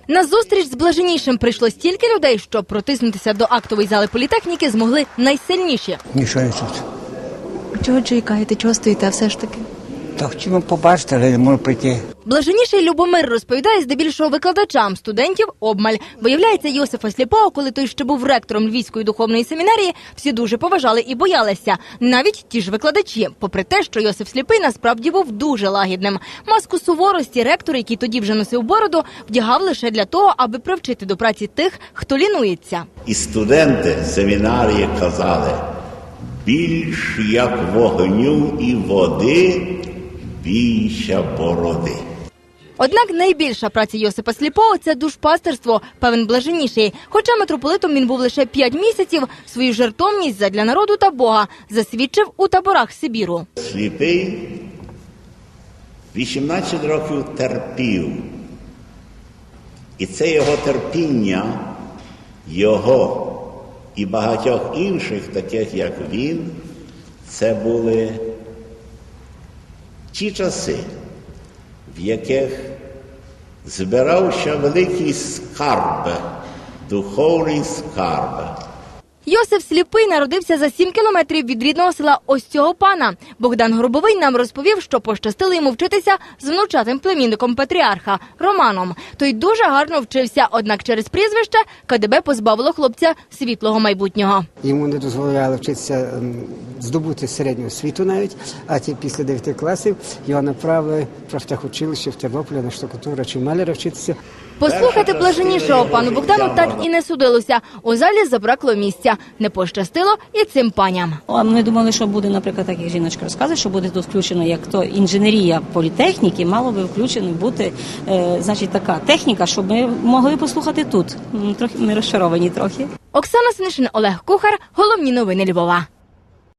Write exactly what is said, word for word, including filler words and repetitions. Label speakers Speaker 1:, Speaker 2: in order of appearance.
Speaker 1: На зустріч з Блаженнішим прийшло стільки людей, що протиснутися до актової зали політехніки змогли найсильніші.
Speaker 2: Мішаю тут.
Speaker 1: Чого чекаєте, чого стоїте все ж таки?
Speaker 2: Так хотів побачити, але не можу прийти.
Speaker 1: Блаженніший Любомир розповідає здебільшого викладачам, студентів обмаль. Виявляється, Йосифа Сліпого, коли той ще був ректором Львівської духовної семінарії, всі дуже поважали і боялися. Навіть ті ж викладачі, попри те, що Йосиф Сліпий насправді був дуже лагідним. Маску суворості ректор, який тоді вже носив бороду, вдягав лише для того, аби привчити до праці тих, хто лінується.
Speaker 3: І студенти семінарії казали, більш як вогню і води, більше бороди.
Speaker 1: Однак найбільша праця Йосипа Сліпого – це душпастерство, певен Блаженніший. Хоча митрополитом він був лише п'ять місяців, свою жертовність задля народу та Бога засвідчив у таборах Сибіру.
Speaker 3: Сліпий вісімнадцять років терпів. І це його терпіння, його і багатьох інших, таких як він, це були ті часи, в яких збирався великий скарб, духовний скарб.
Speaker 1: Йосиф Сліпий народився за сім кілометрів від рідного села ось цього пана. Богдан Горбовий нам розповів, що пощастило йому вчитися з внучатим племінником патріарха – Романом. Той дуже гарно вчився, однак через прізвище КДБ позбавило хлопця світлого майбутнього.
Speaker 2: Йому не дозволяли вчитися, здобути середню освіту навіть, а ті після дев'яти класів його направили в профтехучилище в Тернополі на штукатура чи маляра вчитися.
Speaker 1: Послухати Блаженнішого пану Богдану так і не судилося. У залі забракло місця. Не пощастило і цим паням.
Speaker 4: А ми думали, що буде, наприклад, так як жіночка розказує, що буде тут включено, як то інженерія політехніки, мало би включено бути, е, значить, така техніка, щоб ми могли послухати тут. Трохи ми розчаровані трохи.
Speaker 1: Оксана Снишин, Олег Кухар. Головні новини Львова.